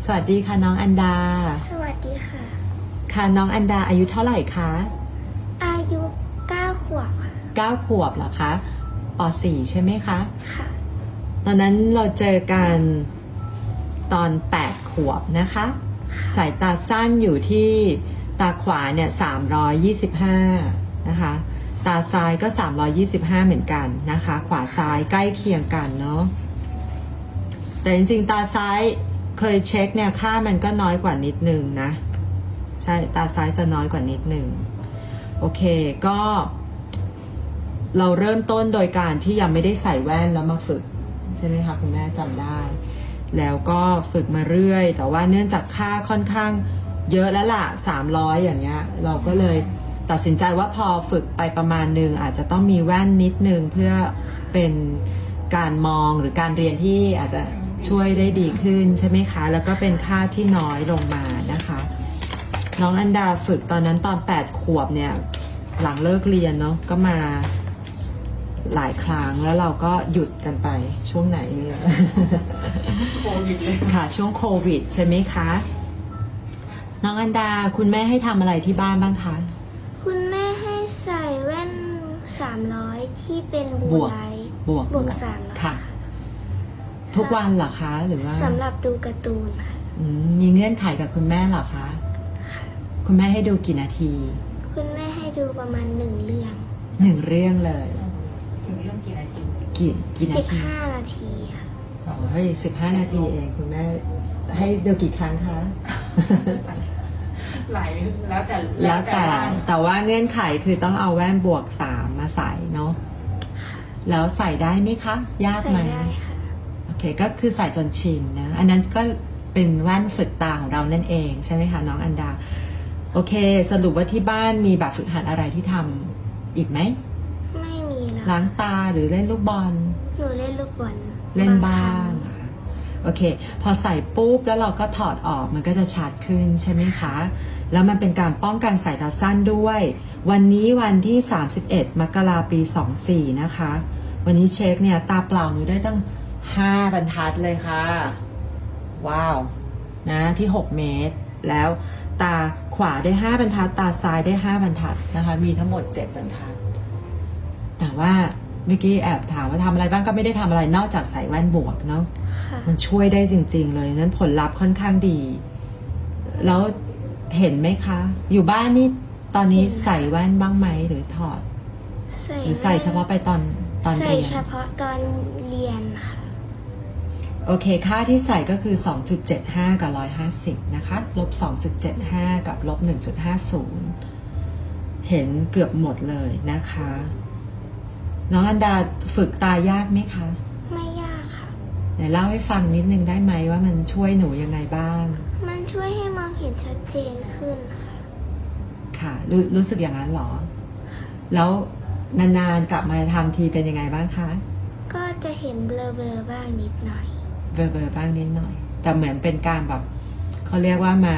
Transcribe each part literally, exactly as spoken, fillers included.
วัสดีค่ะน้องอันดาสวัสดีค่ะค่ะน้องอันดาอายุเท่าไหร่คะอายุเก้าขวบค่ะเก้าขวบเหรอคะป .สี่ ใช่ไหมคะค่ะตอนนั้นเราเจอกันตอนแปดขวบนะคะ สายตาสั้นอยู่ที่ตาขวาเนี่ยสามร้อยยี่สิบห้านะคะ ตาซ้ายก็สามร้อยยี่สิบห้าเหมือนกันนะคะ ขวาซ้ายใกล้เคียงกันเนาะ แต่จริงๆตาซ้ายเคยเช็คเนี่ยค่ามันก็น้อยกว่านิดนึงนะ ใช่ตาซ้ายจะน้อยกว่านิดนึงโอเคก็เราเริ่มต้นโดยการที่ยังไม่ได้ใส่แว่นแล้วมาฝึกใช่ไหมคะคุณแม่จำได้ แล้วก็ฝึกมาเรื่อยแต่ว่าเนื่องจากค่าค่อนข้างเยอะแล้วล่ะสามร้อยอย่างเงี้ยเราก็เลยตัดสินใจว่าพอฝึกไปประมาณนึงอาจจะต้องมีแว่นนิดนึงเพื่อเป็นการมองหรือการเรียนที่อาจจะช่วยได้ดีขึ้นใช่ไหมคะแล้วก็เป็นค่าที่น้อยลงมานะคะน้องอันดาฝึกตอนนั้นตอนแปดขวบเนี่ยหลังเลิกเรียนเนาะก็มาหลายครั้งแล้วเราก็หยุดกันไปช่วงไหนเนี่ยโควิดเลยค่ะช่วงโควิดใช่ไหมคะน้องอันดาคุณแม่ให้ทำอะไรที่บ้านบ้างคะคุณแม่ให้ใส่แว่นสามร้อยที่เป็นบบูวกไลท์บวกบวกสามร้อยค่ะ ทุกวันเหรอคะหรือว่าสำหรับดูการ์ตูนค่ะอืมมีเงื่อนไขกับคุณแม่เหรอคะคุณแม่ให้ดูกี่นาทีคุณแม่ให้ดูประมาณหนึ่งเรื่องหนึ่งเรื่องเลยถึงเรื่องกี่นาทีกี่กี่นาสิบทีห้านาทีค่ะอ๋อเฮ้ยสิบห้านาทีเองคุณแม่ให้ดูกี่ครั้งคะหลายแล้วแต่แล้วแต่บ้านแต่ว่าเงื่อนไขคือต้องเอาแว่นบวกสามมาใส่เนาะแล้วใส่ได้ไหมคะ ยากใส่ไหมได้ค่ะโอเคก็คือใส่จนชินนะอันนั้นก็เป็นแว่นฝึกตาของเรานั่นเองใช่ไหมคะน้องอันดาโอเคสรุปว่าที่บ้านมีแบบฝึกหัดอะไรที่ทำอีกไหมไม่มีแล้วล้างตาหรือเล่นลูกบอลหนูเล่นลูกบอลเล่นบ้าครั้งอะโอเค พอใส่ปุ๊บแล้วเราก็ถอดออกมันก็จะชัดขึ้นใช่ไหมคะ แล้วมันเป็นการป้องกันสายตาสั้นด้วย วันนี้วันที่สามสิบเอ็ดมกราปีสองสี่นะคะ วันนี้เช็คเนี่ยตาเปล่าหนูได้ตั้งห้าบรรทัดเลยค่ะ ว้าวนะที่หกเมตร แล้วตาขวาได้ห้าบรรทัด ตาซ้ายได้ห้าบรรทัดนะคะมีทั้งหมดเจ็ดบรรทัด แต่ว่าเมื่อกี้แอบถามว่าทำอะไรบ้างก็ไม่ได้ทำอะไรนอกจากใส่แว่นบวกเนาะค่ะมันช่วยได้จริงๆเลยนั้นผลลัพธ์ค่อนข้างดี แล้วเห็นไหมคะ อยู่บ้านนี่ตอนนี้ใส่แว่นบ้างไหมหรือถอดใส่หรือใส่เฉพาะไปตอนตอนใส่เรียนเฉพาะตอนเรียนค่ะโอเคค่าที่ใส่ก็คือ สองจุดเจ็ดห้า กับ หนึ่งร้อยห้าสิบ นะคะ ลบ สองจุดเจ็ดห้า กับ ลบ หนึ่งจุดห้าศูนย์ เห็นเกือบหมดเลยนะคะ น้องอันดาฝึกตายากไหมคะไม่ยากค่ะไหนเล่าให้ฟังนิดนึงได้ไหมว่ามันช่วยหนูยังไงบ้างมันช่วยให้มองเห็นชัดเจนขึ้นค่ะค่ะรรู้สึกอย่างนั้นเหรอ แล้วนานๆกลับมาทำทีเป็นยังไงบ้างคะก็จะเห็นเบลอๆบ้างนิดหน่อยเบลอๆบ้างนิดหน่อย แต่เหมือนเป็นการแบบเขาเรียกว่ามา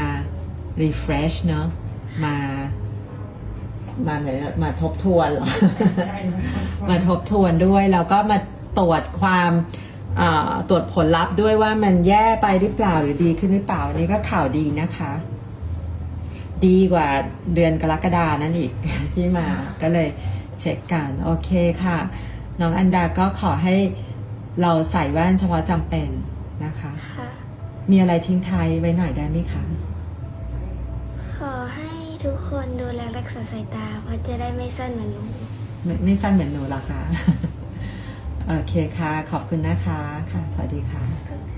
refresh เนอะมา มาไหนอะมาทบทวนเหรอใช่มาทบทวนด้วยแล้วก็มาตรวจความอ่าตรวจผลลัพธ์ด้วยว่ามันแย่ไปหรือเปล่าหรือดีขึ้นหรือเปล่าอันนี้ก็ข่าวดีนะคะ ดีกว่าเดือนกรกฎานั่นอีก ที่มาก็เลยเช็คกันโอเคค่ะ น้องอันดาก็ขอให้เราใส่แว่นเฉพาะจำเป็นนะคะค่ะมีอะไรทิ้งท้ายไว้หน่อยได้ไหมคะขอให้ทุกคนดูแลรักษาสายตา เพราะจะได้ไม่สั้นเหมือนหนูไม่ไม่สั้นเหมือนหนูหรอคะ โอเคค่ะ ขอบคุณนะคะค่ะ สวัสดีค่ะ